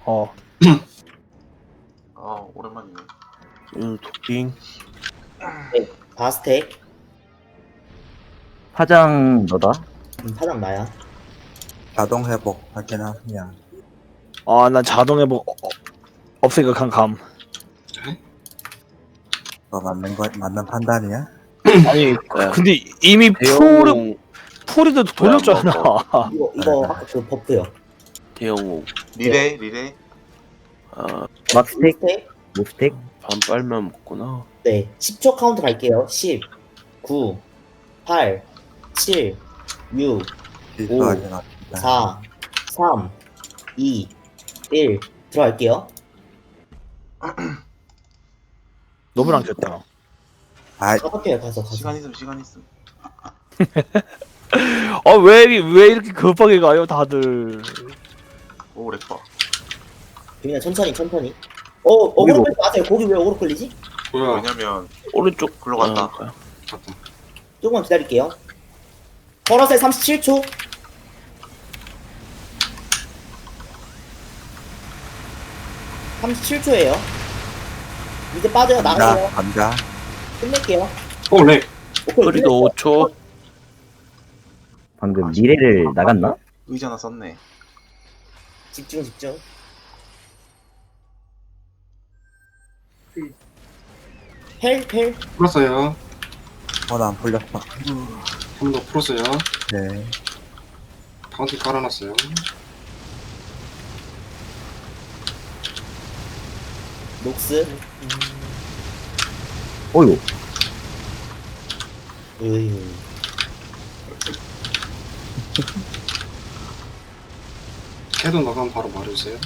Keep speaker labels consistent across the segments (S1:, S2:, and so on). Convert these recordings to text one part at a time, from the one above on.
S1: 어.
S2: 아 오랜만이네.
S3: 도핑.
S4: 네, 바스텍.
S5: 파장 너다?
S4: 파장 나야.
S6: 자동 회복 확인하면
S1: 아, 난 자동 회복 없으니까 그냥 감.
S6: 뭐 맞는 판단이야?
S1: 아니,
S3: 네.
S1: 근데 이미
S3: 대영웅,
S1: 풀이도 돌렸잖아.
S4: 이거 아까 그 버프요.
S3: 대영웅.
S2: 리레.
S3: 아,
S5: 막스텍?
S4: 바스텍.
S5: 몹스텍?
S3: 반 빨면 먹구나.
S4: 네, 10초 카운트 갈게요. 10, 9, 8, 7, 6,
S6: 실수하지
S4: 오.
S6: 맙시다.
S4: 4, 3, 2, 1. 들어갈게요.
S1: 너무 랑겼다.
S6: 아이,
S4: 가볼게요. 가서.
S2: 시간 있음.
S1: 아, 왜 이렇게 급하게 가요, 다들.
S2: 오 렉봐.
S4: 그냥 천천히. 어그로 끌지 마세요. 거기 왜 어그로 끌리지?
S7: 뭐야?
S2: 왜냐면
S3: 오른쪽
S2: 글로 갔다.
S3: 아,
S7: 갔다.
S4: 조금만 기다릴게요. 걸어서 37초. (37초예요) 이제 빠져요. 나가요.
S6: 감자
S4: 끝낼게요.
S7: 어, 렉.
S4: 오케이,
S3: 거리도 5초.
S5: 방금 미래를 나갔나?
S2: 의지 하나 썼네.
S4: 집중. 펠.
S7: 풀었어요.
S6: 안 풀렸어.
S7: 한 번 더 풀었어요.
S6: 네.
S7: 카운트 깔아놨어요.
S4: 녹스.
S5: 어이구.
S4: 으유.
S7: 캐도 나가면 바로 말해주세요.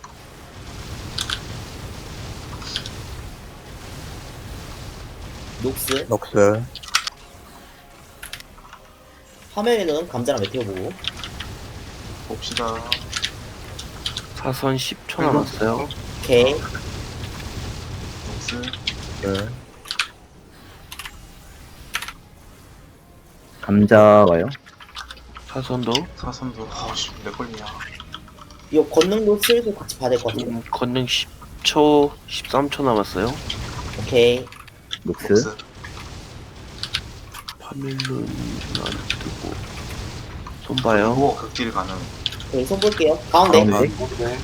S4: 녹스.
S6: 녹스
S4: 화면에는 감자랑 메테오 보고.
S2: 봅시다.
S3: 사선 10초 남았어요.
S4: 오케이.
S2: 녹스.
S6: 그
S5: 감자 와요.
S3: 사선도
S2: 사선도 아씨 내 걸리냐.
S4: 이거 권능도 슬슬 같이 봐야 될 것 같아요.
S3: 건능 10초, 13초 남았어요.
S4: 오케이.
S5: 녹스.
S2: 녹스.
S3: 파밀룬 안 뜨고. 손 봐요.
S2: 오 극딜 가능.
S4: 오케이, 손 볼게요. 가운데.
S5: 가운데.
S7: 네.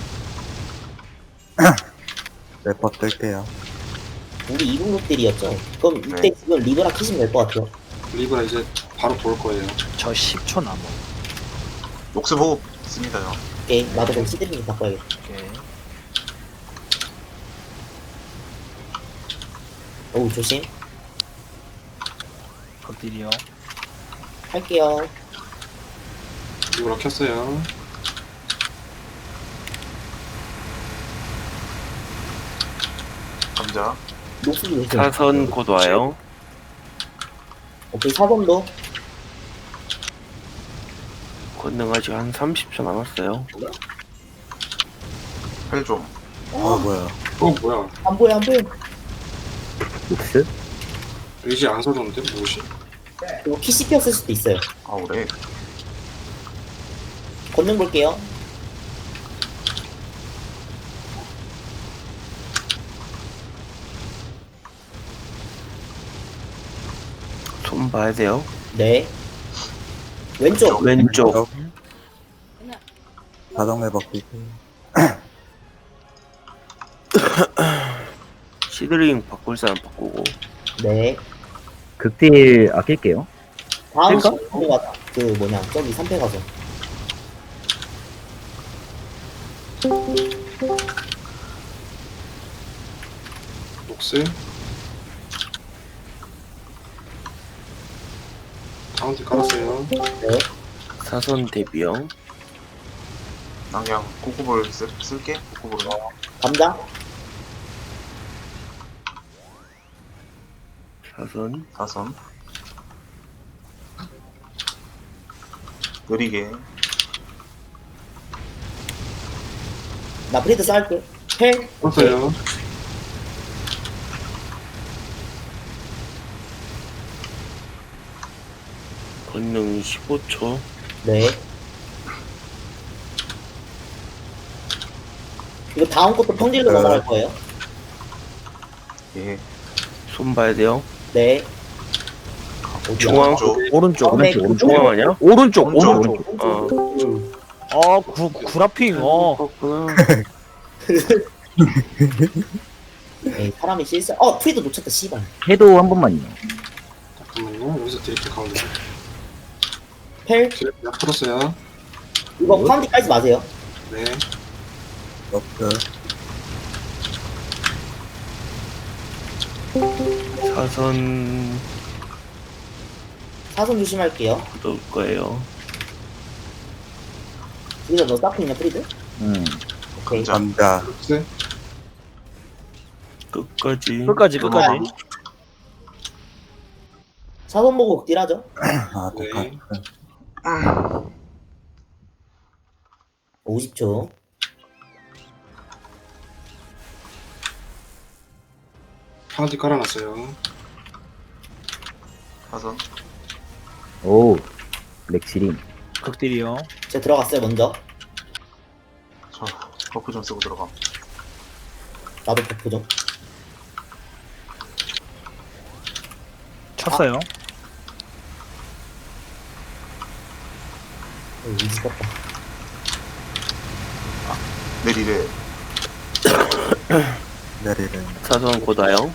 S6: 래퍼 뜰게요.
S4: 우리 이분급들이었죠. 그럼 이때
S2: 네.
S4: 지금 리브라 키시면 될 것 같아요.
S7: 리브라 이제 바로 볼 거예요.
S1: 저 10초 남아.
S2: 녹스 보고 있습니다요.
S4: 오케이. 나도 그럼 시드링 바꿔야겠다.
S1: 오케이.
S4: 어우, 조심.
S1: 극딜이요.
S4: 할게요.
S7: 리브라 켰어요.
S2: 감자.
S4: 녹수도 조심.
S3: 사선 곧 와요.
S4: 오케이, 사범도.
S3: 건능 아직 한 30초 남았어요.
S2: 펠 좀.
S6: 뭐야.
S7: 어, 뭐야?
S4: 안 보여.
S5: 녹스.
S7: 의지 안 써줬는데? 무엇이?
S4: 이거 키 씹혔을 수도 있어요.
S2: 아우 렉.
S4: 권능 볼게요.
S3: 손 봐야 돼요.
S4: 네. 왼쪽.
S3: 왼쪽.
S6: 자동 회복 기술.
S3: 시드링 바꿀 사람 바꾸고.
S4: 네.
S5: 극딜 아낄게요.
S4: 다음
S5: 될까?
S4: 시간에 그 뭐냐, 저기 3패 가서.
S7: 녹스. 카운트 깔았어요.
S4: 네.
S3: 사선 대비요.
S2: 난 그냥 코코볼 쓸게. 코코볼.
S4: 감자.
S3: 사선.
S2: 사선. 느리게.
S4: 나 브리드 쌓을게. 펠.
S7: 풀었어요.
S3: 건능 15초.
S4: 네. 이거 다음 것도 평딜로 넘어갈 거예요.
S2: 예.
S3: 손 봐야 돼요.
S4: 네.
S3: 중앙.
S2: 쪽.
S1: 오른쪽
S4: 네,
S3: 중앙 아니야?
S1: 오른쪽
S2: 오른쪽.
S3: 어.
S1: 구라핑
S3: 그렇구나.
S4: 에이, 사람이 실수. 프리드 놓쳤다, 씨발.
S5: 해도 한 번만요.
S7: 잠깐만요. 여기서 드릴게 가운데.
S4: 펠,
S7: 드릴 약 풀었어요.
S4: 이거 파운딩 깔지 마세요.
S7: 네.
S6: 녹스.
S3: 사선
S4: 사선 조심할게요.
S3: 넣을 거예요.
S4: 프리드 너 쌓고 있냐, 프리드? 오케이.
S6: 감자.
S7: 녹스.
S3: 끝까지.
S1: 끝까지
S4: 사선 보고 극딜하죠.
S6: 아,
S7: 네.
S6: 똑같아.
S4: 50초.
S7: 파운틴 깔아놨어요.
S2: 사선.
S5: 오, 렉시림.
S1: 극딜이요.
S4: 제가 들어갔어요, 먼저.
S2: 저 버프 좀 쓰고 들어가.
S4: 나도 버프 좀.
S1: 쳤어요.
S4: 미치겠다.
S2: 내리래.
S6: 내리는.
S3: 사선 고다요.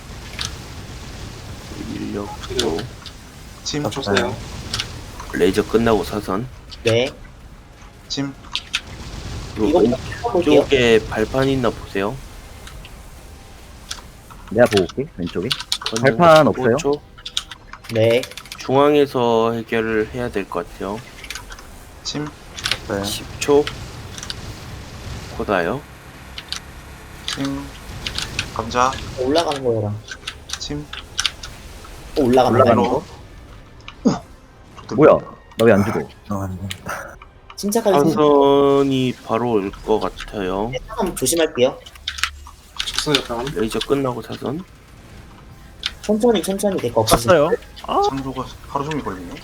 S3: 인력 고
S2: 침.
S7: 쳤어요.
S3: 레이저 끝나고 사선.
S4: 네.
S2: 침.
S4: 이거
S3: 그리고
S4: 볼게요.
S3: 왼쪽에 발판 있나 보세요.
S5: 내가 보고 올게, 왼쪽에.
S3: 건능
S5: 발판 없어요?
S3: 15초.
S4: 네.
S3: 중앙에서 해결을 해야 될 것 같아요.
S2: 침.
S6: 네.
S3: 10초. 고다요.
S2: 침. 감자.
S4: 올라가는 거랑.
S2: 침.
S4: 올라가는
S5: 올라가는
S4: 거.
S5: 거? 뭐야? 나 왜 안 죽어?
S6: 죄송합니다.
S4: 침착하게 생
S3: 사선이 바로 올 것 같아요.
S4: 사선 조심할게요.
S7: 쳤어요, 약간.
S3: 레이저 끝나고 사선.
S4: 천천히 될 거 없으시죠?
S1: 쳤어요.
S2: 창조가 하루 종일 걸리네.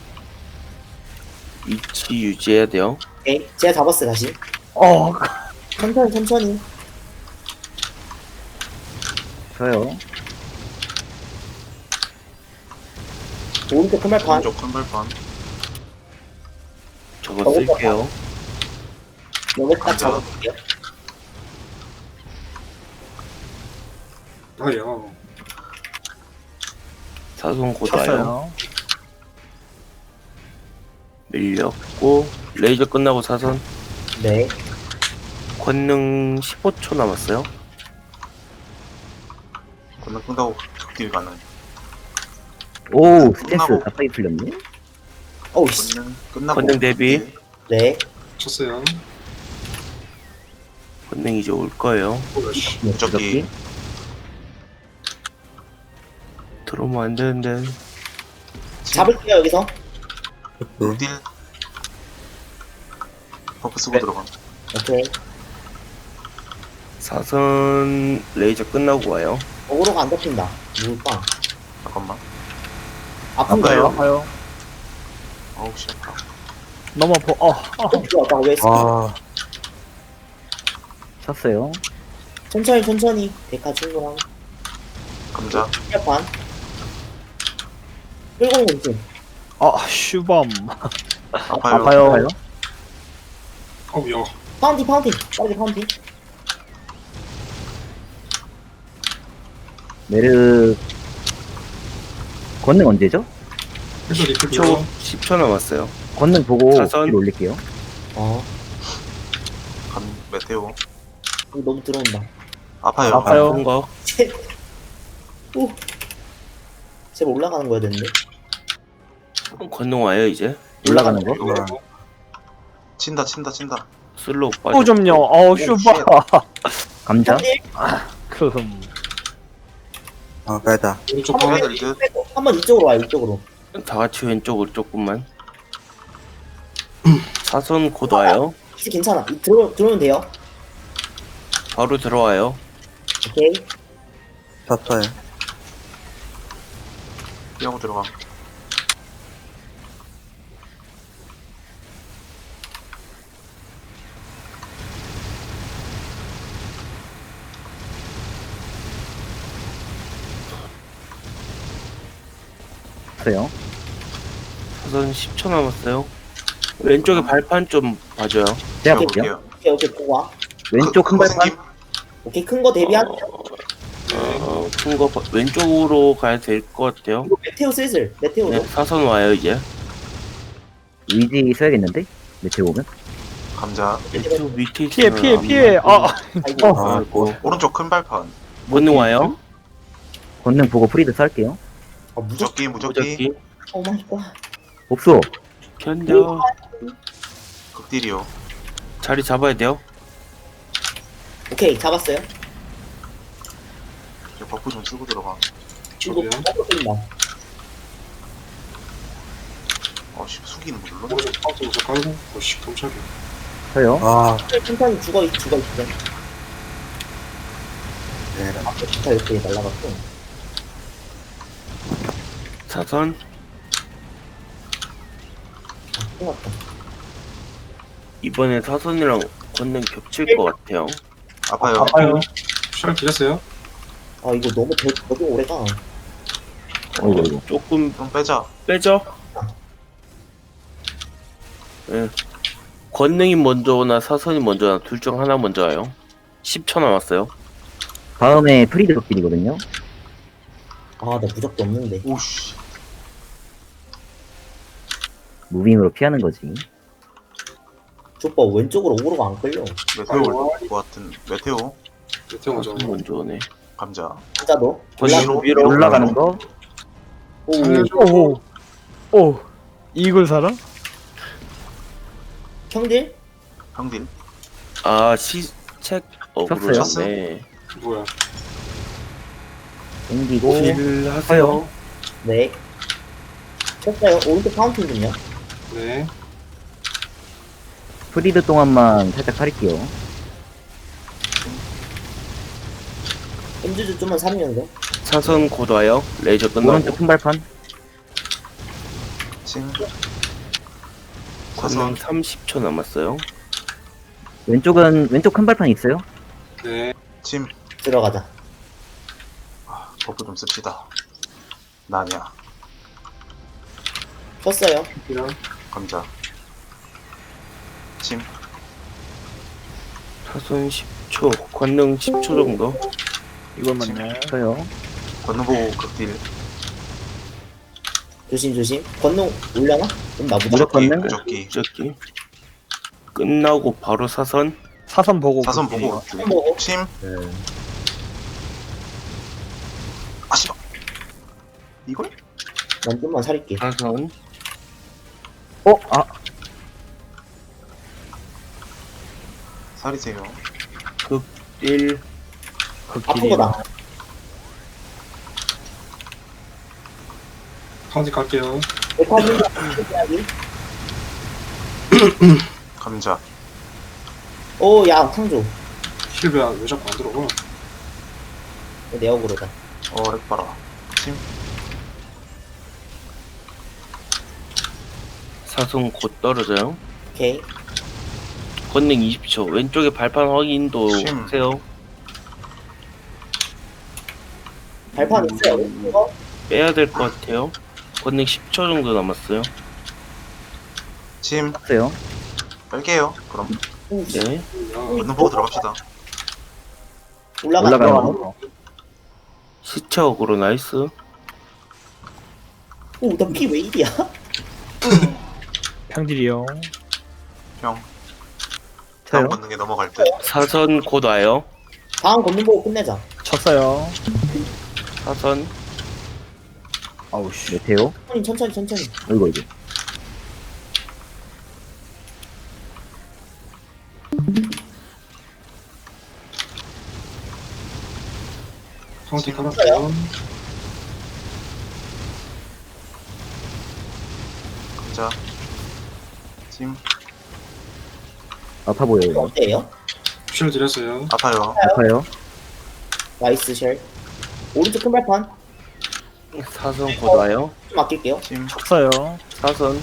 S3: 위치 유지해야 돼요.
S4: 오케이. 제가 잡았어요, 다시.
S1: 어,
S4: 천천히.
S5: 저요.
S4: 오른쪽 큰발판.
S2: 오른쪽 큰 발판.
S3: 저거 쓸게요.
S4: 여기 딱 잡아볼게요.
S7: 아야.
S3: 사선 고다요.
S1: 쳤어요.
S3: 밀렸고 레이저 끝나고 사선.
S4: 네.
S3: 권능 15초 남았어요.
S2: 건너 끝나고 극딜 가능.
S5: 오, 스탠스
S2: 끝나고.
S5: 갑자기 풀렸네?
S4: 어우, 씨.
S2: 끝나고.
S3: 건능 대비.
S2: 극딜.
S4: 네.
S7: 쳤어요.
S3: 권능 이제 올 거예요.
S7: 오씨.
S2: 무적기.
S3: 들어오면 안 되는데.
S4: 잡을게요, 여기서.
S6: 네.
S2: 극딜. 버프 쓰고
S3: 네.
S2: 들어가.
S4: 오케이.
S3: 사선 레이저 끝나고 와요.
S4: 어그로가 안 잡힌다. 물빵.
S2: 잠깐만.
S4: 아픈가요?
S1: 아파요.
S2: 어우 씨. 아파.
S1: 너무 아파.
S4: 들어왔다, 왜
S6: 아,
S5: 쳤어요.
S4: 천천히. 데카 충분하고.
S2: 감자.
S4: 큰발판. 끌고 공중.
S1: 슈범.
S2: 아파요.
S1: 아파요.
S7: 어우, 야.
S4: 파운틴. 빠르게 파운틴.
S5: 메르, 권능 언제죠?
S7: 해서 리플
S3: 10초,
S7: 줘.
S3: 10초 남았어요.
S5: 권능 보고
S3: 사선.
S5: 길 올릴게요.
S2: 간 메테오.
S4: 이거 너무 들어온다.
S2: 아파요.
S1: 아파요.
S3: 아픈 거.
S4: 오. 제발 올라가는 거야 되는데.
S3: 권능 와요 이제.
S5: 올라가는 거?
S2: 이거 친다.
S3: 슬로우
S1: 또
S3: 빠져.
S1: 좀요. 슈범.
S5: 감자?
S1: 금.
S6: 빼자.
S7: 오른쪽
S4: 한번
S2: 해야
S7: 파운틴.
S2: 될 듯.
S4: 빼고 한번 이쪽으로 와요, 이쪽으로.
S3: 다 같이 왼쪽으로 조금만. 사선 곧 와요.
S4: 키스 괜찮아. 들어오면 돼요.
S3: 바로 들어와요.
S4: 오케이.
S6: 쳤어요.
S2: 피하고 들어가.
S5: 쳤어요.
S3: 사선 10초 남았어요. 왼쪽에 발판 좀 봐줘요.
S5: 제가 볼게요.
S2: 볼게요.
S4: 오케이 오케이 보고 와.
S5: 왼쪽 큰
S2: 그거
S5: 발판.
S2: 생김?
S4: 오케이 큰 거 대비하세요.
S3: 큰 거 왼쪽으로 가야 될 것 같아요.
S4: 이거 메테오 슬슬 메테오로.
S3: 네, 사선 와요 이제.
S5: 의지 써야겠는데? 메테오 오면?
S2: 감자.
S3: 왼쪽 밑에
S1: 피해
S3: 있으면
S1: 피해
S3: 안
S1: 피해. 아
S4: 아이고.
S3: 아이고.
S2: 오른쪽 큰 발판.
S3: 권능 와요.
S5: 권능 보고 프리드 쌀게요.
S4: 아 무적.
S2: 무적기.
S3: 무적기.
S4: 오 마이 갓.
S5: 없어.
S3: 견뎌.
S2: 극딜이요.
S3: 자리 잡아야 돼요.
S4: 오케이 잡았어요.
S2: 이제 버프 좀 쓰고 들어가.
S4: 이거
S7: 저기요?
S4: 먹고 끓인다.
S2: 어씨 숙이는 거 눌러.
S7: 오른쪽 카운트 먼저 깔고. 오씨 깜짝이야.
S5: 저요.
S6: 아,
S4: 천천히 죽어 있어.
S6: 얘랑.
S4: 앞에 기타 이렇게 날라갔고.
S3: 사선.
S4: 아, 끝났다.
S3: 이번에 사선이랑 권능 겹칠 것 같아요.
S2: 아파요.
S7: 샬 드렸어요?
S4: 아 이거 너무 오래가.
S5: 어이구.
S3: 조금
S2: 좀 빼자.
S3: 빼죠. 예. 권능이 먼저 오나 사선이 먼저 오나 둘 중 하나 먼저 와요. 10초 남았어요.
S5: 다음에 프리드 극딜이거든요.
S4: 아 나 무적도 없는데.
S2: 오씨.
S5: 무빙으로 피하는 거지.
S4: 족봐 왼쪽으로 오로가 안 끌려.
S2: 메테오 올것 같은. 메테오.
S7: 메테오 먼저.
S3: 사선 먼저 오네.
S2: 감자.
S4: 진짜도.
S3: 권능 위로
S5: 올라가는 거.
S4: 오.
S7: 살려줘.
S1: 오 이걸 살아?
S4: 형들?
S2: 형딜.
S3: 아 시책 어그로
S5: 쳤어요?
S3: 네.
S7: 뭐야?
S5: 땡기고.
S3: 딜 하세요.
S4: 네. 쳤어요. 오른쪽 파운틴 좀요.
S7: 네.
S5: 프리드 동안만 살짝 살릴게요.
S4: 음주주 좀만 살면서.
S3: 사선 곧 와요. 레이저 끝나고.
S5: 오른쪽 큰 발판.
S2: 침.
S3: 권능
S2: 사선.
S3: 30초 남았어요.
S5: 왼쪽 큰 발판 있어요.
S7: 네.
S2: 침.
S4: 들어가자.
S2: 버프 좀 씁시다. 나냐.
S4: 쳤어요.
S7: 이랑
S2: 감자. 침.
S3: 사선 10초. 권능 10초 정도.
S1: 이걸 맞네.
S5: 저요.
S2: 권능 보고 극딜.
S4: 조심. 건능 올려나? 그럼 나 무적.
S5: 무적 권능.
S2: 무적기.
S3: 무적기. 끝나고 바로 사선.
S1: 사선 보고.
S2: 사선
S1: 그렇게.
S2: 보고 극딜.
S4: 보고.
S2: 침.
S4: 네.
S2: 아 씨발. 이걸?
S4: 난 좀만 살릴게.
S3: 사선.
S5: 아,
S2: 살이세요.
S3: 1.
S4: 아픈 거다.
S7: 카운트 갈게요.
S4: 백화점.
S2: 감자.
S4: 오, 야, 탕조.
S7: 힐베야 왜 자꾸 안 들어가?
S4: 내 역으로다.
S2: 핵봐라. 침.
S3: 사선 곧 떨어져요.
S4: 오케이.
S3: 권능 20초. 왼쪽에 발판 확인도
S2: 심.
S3: 하세요.
S4: 발판 있어요. 이거?
S3: 빼야 될 것 같아요. 권능 10초 정도 남았어요.
S2: 침.
S5: 없어요.
S2: 뺄게요. 그럼
S4: 오,
S3: 네.
S2: 권능 보고 들어갑시다.
S4: 올라가.
S5: 올라가는 거.
S3: 시체 어그로 나이스.
S4: 오, 나 피 왜 이리야?
S1: 평딜이요.
S2: 형. 다음
S5: 저요.
S2: 권능에 넘어갈 때.
S3: 사선 곧 와요.
S4: 다음 건능 보고 끝내자.
S1: 쳤어요.
S3: 사선.
S1: 아우 씨.
S5: 메테오.
S4: 천천히.
S5: 이거.
S7: 카운트 깔았어요.
S2: 감자. 침.
S5: 아파 보여요. 이거.
S4: 어때요?
S7: 쉘 드렸어요.
S2: 아파요.
S5: 아파요.
S4: 나이스 쉘. 오른쪽 큰 발판.
S3: 사선 곧 와요.
S4: 좀 아낄게요.
S2: 침.
S1: 쳤어요.
S3: 사선.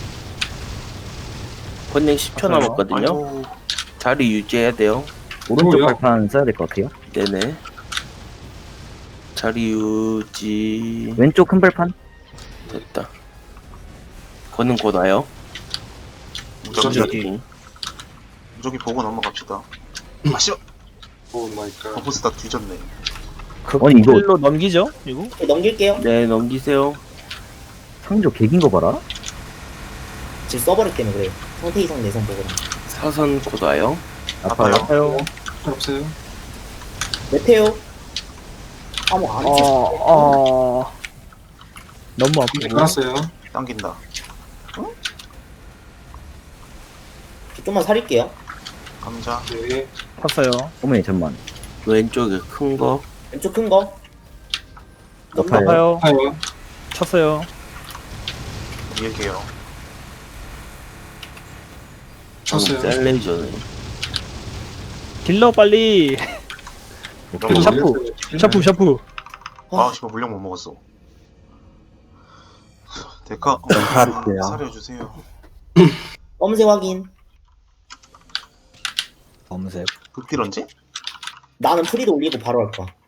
S3: 권능 10초
S1: 맞아요.
S3: 남았거든요.
S2: 아이고.
S3: 자리 유지해야 돼요.
S5: 오른쪽
S7: 뭐야?
S5: 발판 써야 될 것 같아요.
S3: 네네. 자리 유지.
S5: 왼쪽 큰 발판.
S3: 됐다. 권능 곧 와요.
S2: 무적이
S3: 무적이.
S2: 무적이 보고 넘어갑시다. 아 씨발.
S7: 오 마이 갓.
S2: 버프스 다 뒤졌네.
S5: 아니, 이거-
S1: 극딜로 넘기죠? 이거?
S4: 넘길게요.
S3: 네, 넘기세요.
S5: 상조 개긴 거 봐라.
S4: 지금 써버렸기 때문에 그래요. 상태 이상 내성 보거든.
S3: 사선 곧 와요.
S5: 아파요.
S1: 아파요.
S7: 잘 없어요.
S4: 메테오. 아무 안 했어.
S1: 너무
S7: 네,
S1: 아프고.
S7: 깔았어요.
S2: 당긴다.
S4: 좀만 살릴게요.
S2: 감자.
S7: 네.
S1: 탔어요.
S5: 어머니, 잠만.
S3: 왼쪽에 큰 거.
S4: 왼쪽 큰 거.
S5: 아파요.
S1: 아파요.
S7: 아요.
S1: 쳤어요.
S2: 이길게요.
S7: 쳤어요.
S3: 셀레이저네.
S1: 딜러 빨리.
S2: 너무
S1: 샤프. 샤프.
S2: 아 씨발 물량 못 먹었어. 데카.
S6: 살릴게요.
S2: 살려주세요.
S4: 검색 확인.
S1: 검색.
S2: 극딜 언제?
S4: 나는 프리드 올리고 바로 할 거야.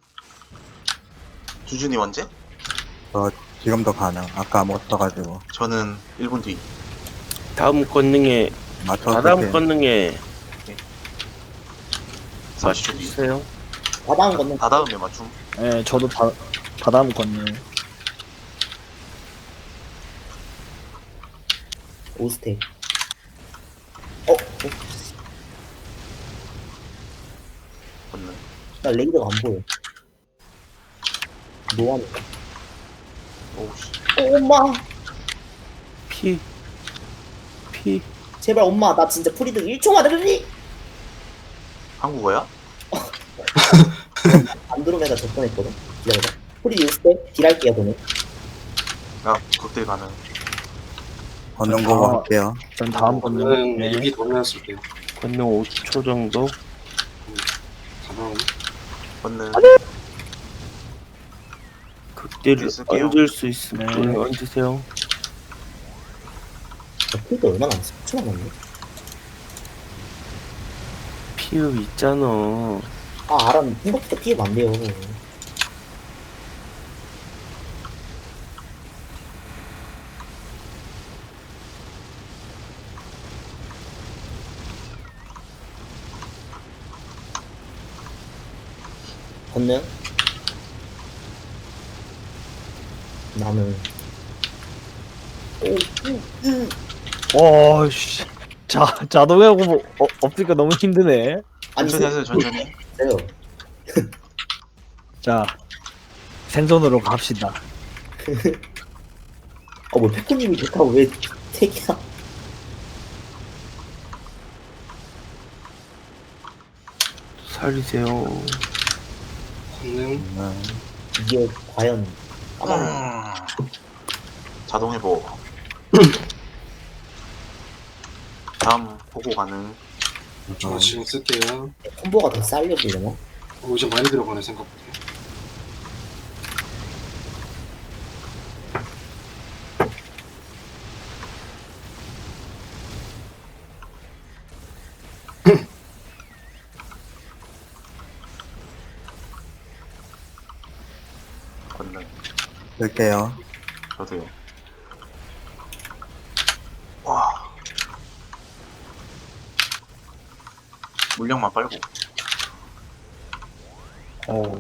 S2: 주준이 언제?
S6: 지금도 가능. 아까 못 써가지고.
S2: 저는 1분 뒤.
S3: 다음 권능에
S6: 맞춰서
S3: 다음
S6: 이렇게
S3: 권능에
S2: 30초 뒤.
S3: 맞추세요.
S4: 바다운 걷는
S2: 다 다음에 맞춤.
S1: 예, 저도 다다음 건요.
S4: 오스텍.
S2: 걷는.
S4: 나 레이더가 안 보여. 뭐하는
S2: 오우씨.
S4: 엄마.
S3: 피.
S4: 제발 엄마 나 진짜 프리드 1초만 해줄리?
S2: 한국어야?
S4: 안드로메다 접근했거든. 기다려봐. 프리드 오스텍 딜할게요 그러면.
S2: 야 극딜 가능.
S6: 걷는 거
S1: 아.
S6: 할게요.
S1: 전 다음 건요.
S7: 저는
S1: 네.
S7: 입이 돌려놨을게요.
S3: 권능 5초 정도.
S7: 가방.
S2: 걷는.
S3: 극딜을
S2: 쓸게요.
S3: 얹을 수 있으면
S1: 네.
S3: 얹으세요.
S4: 프리드 얼마 남았어? 10초 남았네.
S3: 피읍 있잖아.
S4: 아 알아. 생각보다 피해 안 돼요. 걷는 나는
S1: 씨. 자동하고 뭐, 없으니까 너무 힘드네.
S4: 아니
S2: 천천히 하세요 천천히.
S4: 있어요.
S1: 자, 생존으로 갑시다.
S4: 뭐 페코님이 좋다고 왜 택이야?
S3: 살리세요.
S7: 걷는.
S4: 이게 과연 까만
S2: 자동 회복. 다음 보고 가능.
S7: 저 지금 쓸게요.
S4: 콤보가 더 쌓이려고
S7: 이제 많이 들어가네 생각보다.
S2: 걷는.
S6: 쓸게요.
S2: 저도요. 와. 물량만 빨고.
S1: 어우.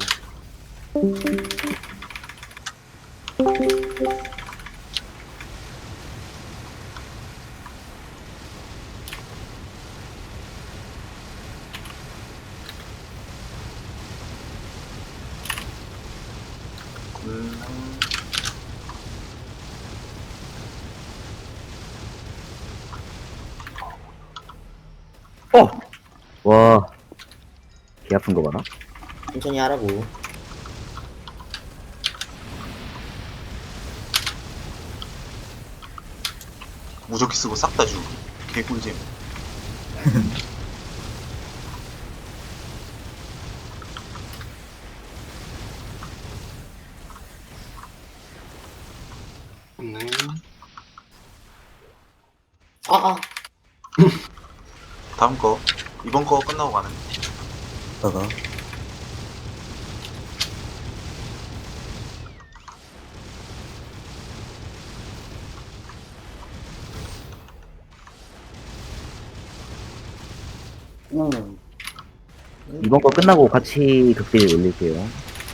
S2: 걷는.
S5: 와. 개 아픈 거 봐라.
S4: 천천히 하라고.
S2: 무적기 쓰고 싹 다 주고. 개꿀잼.
S7: 걷는.
S4: 아
S2: 다음 거. 이번 거 끝나고 가는.
S6: 저거.
S5: 이번 거 끝나고 같이 극딜 올릴게요.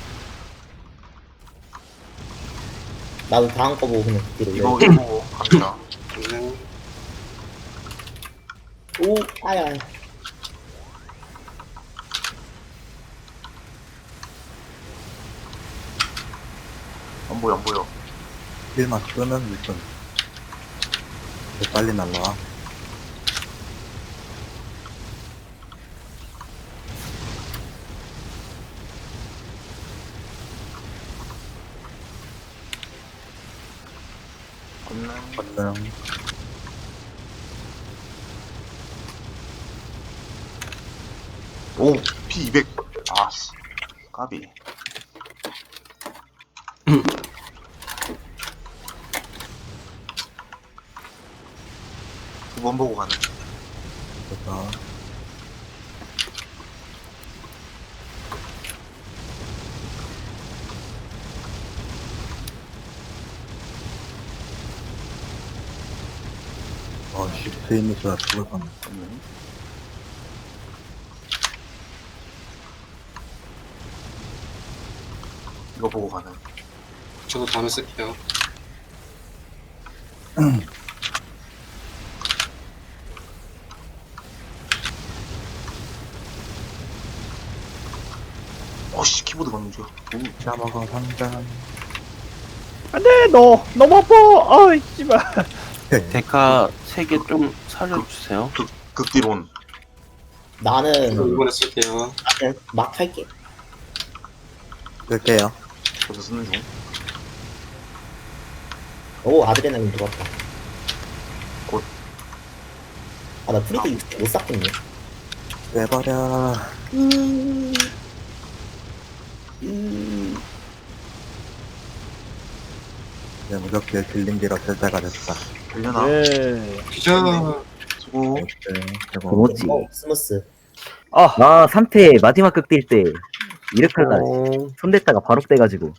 S4: 나도 다음 거 보고 그냥 뒤로
S2: 이거
S4: 올려.
S2: 보고 갑니다.
S7: 네.
S4: 오, 아야.
S2: 안 보여 안 보여.
S6: 딜만 끄면 일단 빨리 날라와. 건능.
S2: 오 P200. 아씨 까비. 두 번 보고 가는.
S6: 그래서 씨, 스위미스가 죽을 뻔.
S2: 이거 보고 가는.
S7: 저도 다음에 쓸게요.
S2: 어씨 키보드 방금 줘.
S6: 잡아가 상장.
S1: 안돼 너 너무 아파. 아이 씨발.
S3: 데카 3개 좀 살려주세요.
S2: 극딜온.
S4: 나는
S7: 저도 이번에 쓸게요.
S4: 그냥 막 할게.
S6: 쓸게요.
S2: 저도 쓰는 중.
S4: 오, 아드레날린 들어왔다.
S2: 곧.
S4: 아, 나 프리드 못 쌌겠네.
S6: 빼버려. 이제 무적기에 딜링기로 쓸 때가 됐다.
S2: 되려나?
S1: 네.
S7: 기자.
S2: 수고.
S6: 네, 대박.
S5: 고모찌.
S4: 스무스.
S5: 아, 3패 마지막 극딜 때 이렇게 날
S3: 어,
S5: 손댔다가 바로 떼가지고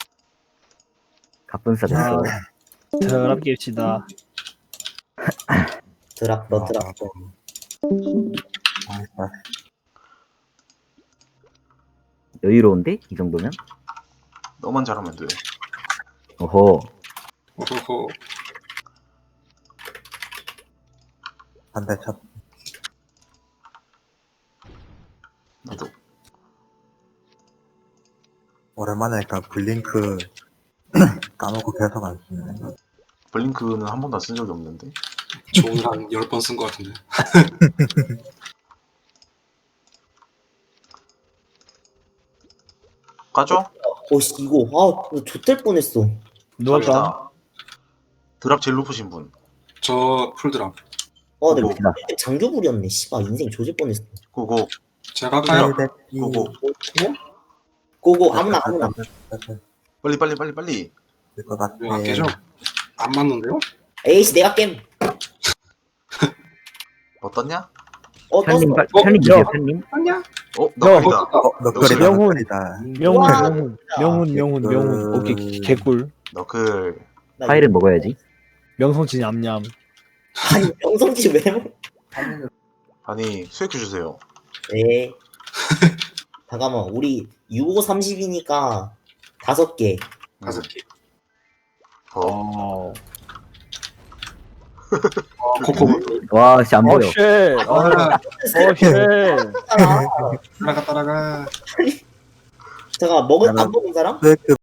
S5: 가뿐싸 됐어.
S1: 드랍 깁시다.
S4: 드랍, 너 드랍.
S6: 아,
S5: 여유로운데? 이 정도면?
S2: 너만 잘하면 돼.
S5: 어허.
S7: 오호호.
S6: 반대 첫.
S2: 나도.
S6: 오랜만에 그 블링크 까먹고 계속 안 쓰네.
S2: 블링크는 한 번도 쓴 적이 없는데.
S7: 저 오늘 한 10번 쓴 것 같은데.
S2: 까죠?
S4: 오씨, 이거, 아, 나 좆될 뻔했어.
S1: 누웠다.
S2: 갑니다. 드랍 제일 높으신 분.
S7: 저 풀드랍.
S4: 아, 내가
S5: 봅시다.
S4: 장교불이었네. 씨발, 인생 조질 뻔했어.
S2: 고고.
S7: 제가 할까요?
S2: 고고.
S4: 고고, 아무나.
S2: 빨리 빨리 빨리 빨리.
S6: 될것 같아.
S7: 왜 안 깨져? 안 맞는데요?
S4: 에이씨, 내가 겜.
S2: 뭐 떴냐?
S4: 떴어.
S5: 편님 주세요, 편님.
S7: 아니야.
S2: 너구리다.
S6: 너클이
S1: 명훈.
S6: 너클이다.
S1: 명훈. 오케이 개꿀.
S2: 너클.
S5: 파일은 먹어야지.
S1: 명성진 냠냠.
S4: 아니, 명성지 왜 먹...
S2: 아니 수액 주세요.
S4: 네. 잠깐만, 우리 65, 30이니까 5개.
S7: 5개.
S2: 더.
S7: 코코.
S5: 와, 진짜 안 보여.
S1: 쉣.
S7: 아,
S1: 쉣.
S7: 따라가.
S4: 잠깐만, 안 먹은 사람?
S6: 스웨크